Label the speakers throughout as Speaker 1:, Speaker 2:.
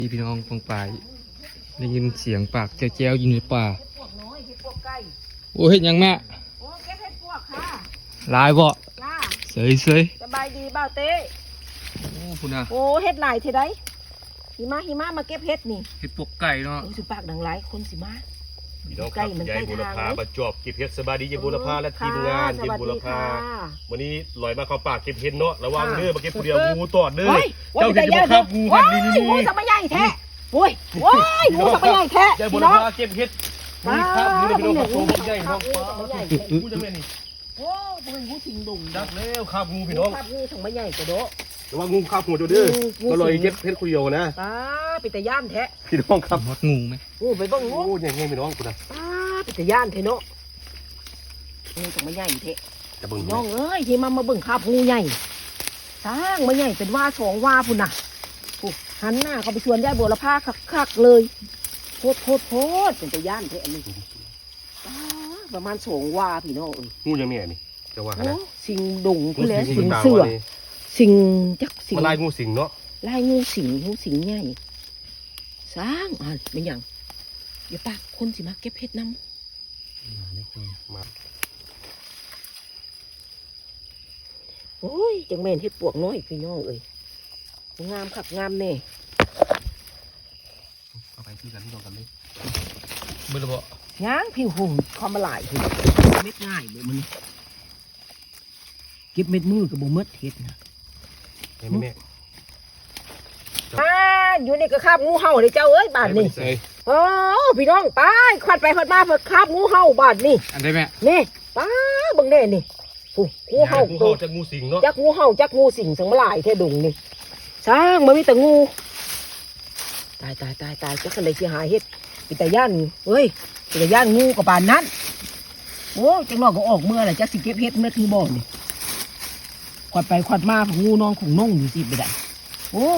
Speaker 1: พี่น้องปองปายได้ยินเสียงปากแจ้วๆยิงในป่าโอ้เห็นยังแม่
Speaker 2: โอ้เก็บเห็ดพวกค่ะ
Speaker 1: ลายบ่
Speaker 2: ล่า
Speaker 1: เสย
Speaker 2: สบายดีบ่าวเต้
Speaker 1: โอ้คุณน่ะ
Speaker 2: โอ้เห็ดหลายเท่าไดหิมะมาเก็บเห็ดนี่
Speaker 1: เห็ดปวกไก่เนาะ
Speaker 2: โอ้สิปากดังหลายคนสิมา
Speaker 3: พี่น้องครับยายบุรพาประจวบเก็บเห็ดสบายดียายบุรพาและทีมงานยายบุรพาวันนี้ลอยมาเข้าป่าเก็บเห็ดเนาะระวังเด้อมาเก็บผู้เดียวงูตอดเด้อเจ้าเห็นจะมาครับงูหันนี่
Speaker 2: งูสับใหญ่แท้โอ้ยงูสับใหญ่แท้
Speaker 3: ยายบุรพาเก็บเห็ดนี่ครับนี่พี่น้องครับโตใหญ่น้องงูจะแม่นี่
Speaker 2: โอ้เป็นงูสิงดุง
Speaker 3: ดักแล้วครับงูพี่น้อง
Speaker 2: ครับงูสับใหญ่กระโดด
Speaker 3: ระวังงูข้าวหัวเด้อมาลอยเก็บเห็ดผู้เดียวนะ
Speaker 2: ปิตย่านแท้
Speaker 3: พี่น้องครับ
Speaker 1: มดงูไหม
Speaker 2: งูไปบ้างงู
Speaker 3: ยังไงพี่น้องคุณนะ
Speaker 2: ปิตย่านแท้เนาะงูสับใหญ่แท้น้องเอ้ยที่มาเบิ่งข้าวงูใหญ่สร้างมาใหญ่เป็นว่าสองว่าพุ่นน่ะหันหน้าเขาไปชวนยายบัวละผ้าคักเลยโพดเป็นตะย่านแท้อันนี้ประมาณ2 วาพี่น้อง
Speaker 3: งูยังไงนี่จะว่านะ
Speaker 2: สิงดงพุ่นแหละสิงเสือสิงจักสิง
Speaker 3: ลายงูสิงเนาะ
Speaker 2: ลายงูสิงใหญ่สร้างเป็นอย่างอย่าปากคนสิมาเก็บเห็ดน้ำโอ้ยจังแม่นเห็ดปวกน้อยพี่น้องงามขับงามแน่
Speaker 3: เอาไปที่กันที่ตรงกันเลย
Speaker 1: เมื่อไรบ่
Speaker 2: ย่างผิวหุ่นความละลายเม็ดง่ายเลยมันเก็บเม็ดมือกับโบเม็ดเห็ดนะ
Speaker 3: แม่
Speaker 2: อยู่นี่ก็คาบงูเห่าเลยเจ้าเอ้ยบาดนี่โอ้พี่น้องตายขวัดไปขวัดมาเพิ่งคาบงูเห่าบาดนี่
Speaker 1: อันได้แม่
Speaker 2: นี่ป้าบังเด่นี่งูเห่า
Speaker 3: จากงูสิงเนาะ
Speaker 2: จากงูเห่าจากงูสิงสังมาลายแท้ดุงนี่สร้างมันมีแต่งูตายจักกันเลยเสียหายเฮ็ดปิตาย่านเฮ้ยปิตาย่านงูกับปานนั้นโอ้จังนอกก็ออกเมื่อไหร่จักสิเก็บเฮ็ดเมื่อคือบ่อนี่ขวัดไปขวัดมาของงูน้องของน้องอยู่สิไปได้โอ้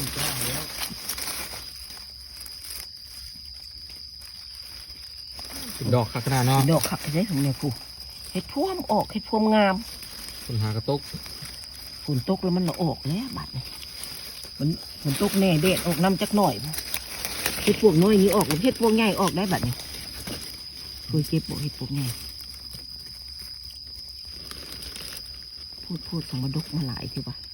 Speaker 1: ดอกขนาดเนาะ
Speaker 2: ดอกขับไปได้ของเนี่ยกูเฮ็ดพวมออกเฮ็ดพวมงาม
Speaker 1: ฝนหากระตก
Speaker 2: ฝนตกแล้วมันออกแล้วบัดนี่มันฝนตกแน่เด็ดออกน้ำจักหน่อยเฮ็ดพวกน้อยนี้ออกเฮ็ดพวกใหญ่ออกได้บัดนี่เคยเก็บบอกเฮ็ดพวกใหญ่พูดสมบัติมาหลายทีว่า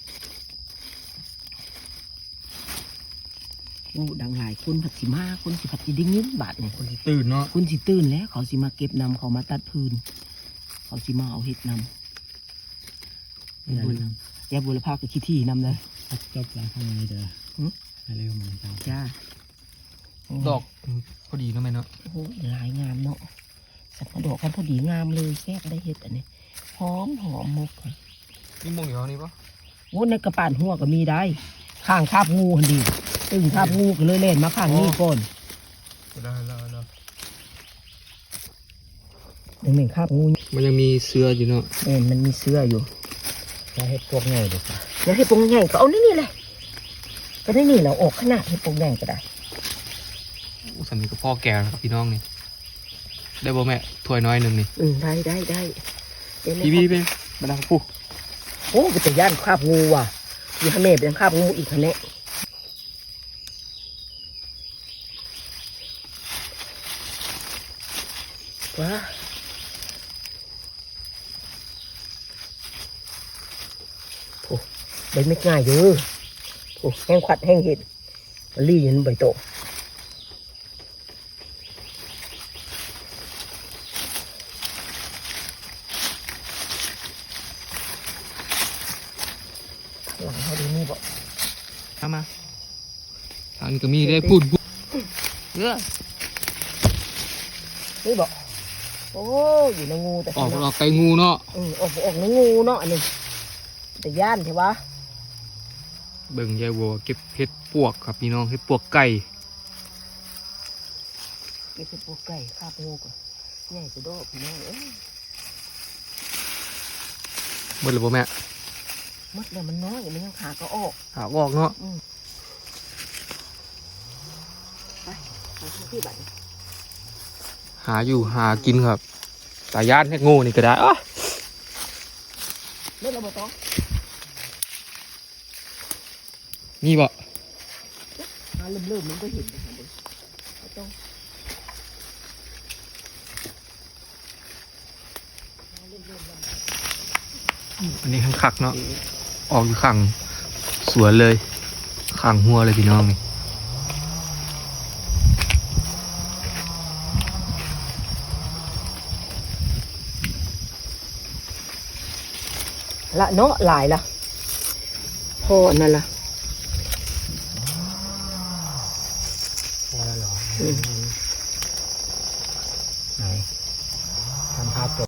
Speaker 2: งูดังหลายคนผัดสิมาคนสิผัดสิดิ้งยิ้มบาดเนี่ย
Speaker 1: คนสิตื่นเนาะ
Speaker 2: คนสิตื่นแล้วเขาสิมาเก็บนำเขามาตัดพื้นเขาสิมาเอาเห็ดนำยาบุรพากับขี้ที่นำเลย
Speaker 1: จบแล้วทำยังไงเด้อเร็วมัน
Speaker 2: จ้า
Speaker 1: ดอกพอดีเนาะแม่เนาะ
Speaker 2: โอ้ยหลายงามเนาะสับดอกกันพอดีงามเลยแซ่บได้เห็ดอันนี้หอมมุก
Speaker 1: นี่มุกอยู่เท่านี้ปะ
Speaker 2: โอ้ในกระป๋านหัวก็มีได้ข้างคาบงูหันดีตึงคาบงูก็เลยเล่นมาข้างนี้ก่อน
Speaker 1: ได้
Speaker 2: หนึ่งคาบงู
Speaker 1: มันยังมีเสื้ออยู่เนาะ
Speaker 2: มันมีเสื้ออยู่
Speaker 1: จะให้พวกใหญ่ดูค่ะ
Speaker 2: อยากให้พวกใหญ่ก็เอานี่เลยก็ได้นี่เราออกขนาดให้พวกใหญ่ก็ได้
Speaker 1: สันนี้ก็พ่อแก่ครับพี่น้องนี่ได้บ่แม่ถ้วยน้อยหนึ่งนี่
Speaker 2: ได้
Speaker 1: พี่ไปมาดังปุ๊
Speaker 2: โอ้เป็นย่านคาบงูว่ะอยู่ข้างในเป็นคาบงูอีกข้างในว้าโอ้ใบไม่ง่ายอยู่โอ้แห้งขวัดแห้งเห็ดมันรียันใบโตหลังเขาดีนี่บอก
Speaker 1: มาทางนี้ก็มีได้พูด
Speaker 2: นี่บอกโอ้อยู่ในงูแต่
Speaker 1: ออกไก่งูเนาะ
Speaker 2: ออกในงูเนาะอันนี้แต่ย่านใช่ปะ
Speaker 1: เบิ่งยายวัวเก็บเห็ดปวกครับพี่น้องเห็ดปวกไก่
Speaker 2: เก็บเห็ดปวกไก่คาบงูก่อนใหญ่จะโดดพี่น้อง
Speaker 1: หมดเลยบ่แม่
Speaker 2: มดเลยมันน้อยมันยังขาก็ออก
Speaker 1: เนาะ
Speaker 2: ไปที่บ้าน
Speaker 1: หาอยู่หากินครับสายย่านเห็ดงูนี่ก็ได้
Speaker 2: เล่นระเบิดต้อง
Speaker 1: นี่บ่
Speaker 2: าเริ่มมันก็เห็นนะคะเด็กต้อง
Speaker 1: อันนี้ข้างคักเนาะออกอยู่ข้างสวนเลยข้างหัวเลยพี่น้องนี่
Speaker 2: ละเนาะหลายละพอนั่นละ
Speaker 1: พอแล้วเหรอ